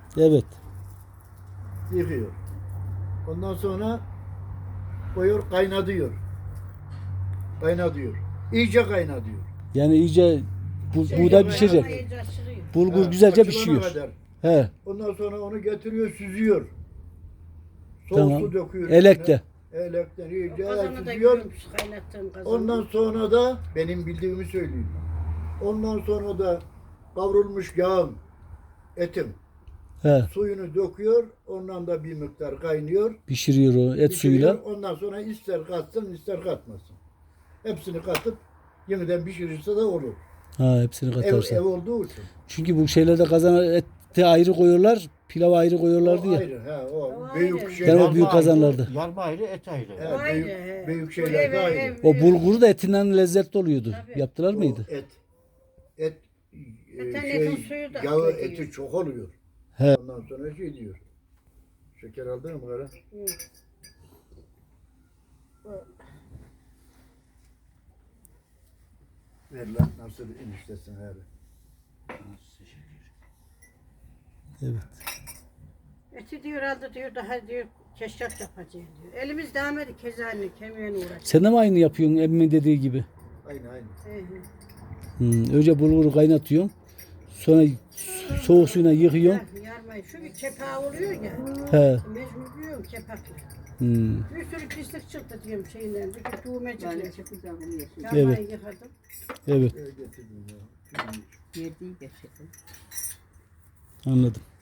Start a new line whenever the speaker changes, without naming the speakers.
Evet.
Yıkıyor. Ondan sonra koyuyor, kaynatıyor. Kaynatıyor. İyice kaynatıyor.
Yani iyice buğday
kaynatıyor.
pişecek.
İyice açılıyor.
Bulgur
Ha,
güzelce
açılana
pişiyor.
kadar.
He.
Ondan sonra onu getiriyor, süzüyor. Soğuk
Tamam.
su döküyor.
Elekte.
üstüne. Elekten iyice
Kazanı da
süzüyor.
görmüş kaynattığım kazanı.
Ondan sonra da benim bildiğimi söyleyeyim. Ondan sonra da kavrulmuş yağın, etin
He.
suyunu döküyor. Ondan da bir miktar kaynıyor.
Pişiriyor o et
Pişiriyor.
suyuyla.
Ondan sonra ister katsın ister katmasın. Hepsini katıp yeniden pişirirse de olur.
Ha, hepsini
Ev
katarsa.
olduğu için.
Çünkü bu şeylerde kazana eti ayrı koyuyorlar, pilavı ayrı koyuyorlardı
O
ya.
ayrı. He, o
O
büyük
ayrı.
şeyler.
Ben o büyük kazanlarda.
Yarma ayrı, et ayrı.
He,
O ayrı,
büyük,
he.
büyük
Bu
şeyler de
ev-
ayrı.
ev-
O bulguru da etinden lezzetli oluyordu.
Tabii.
Yaptılar
O
mıydı?
et
Zaten
şey,
etin suyu da
yağı
akıyor.
eti çok oluyor.
He.
Ondan sonra şey diyor. Şeker aldın mı bunlara?
Hı.
Ver lan nasıl eniştesin her.
Evet.
Eti diyor aldı diyor daha diyor keşkek yapacağız diyor. Elimiz değmedi kezanını kemiğini uğraşıyor.
Sen de mi aynı yapıyorsun emmi dediği gibi?
Aynı aynı.
Önce bulguru kaynatıyorsun. Sonra soğuk suyuna yıkıyorsun.
Yarmayı. Şu bir kepağı oluyor ya.
He.
Mecbur diyorum kepakla.
Hmm.
Bir sürü pislik çıktı diyorum şeyinden. Bir de tuğmecikle.
Evet.
Yarmayı yıkadım.
Evet.
Getirdim ya.
Anladım.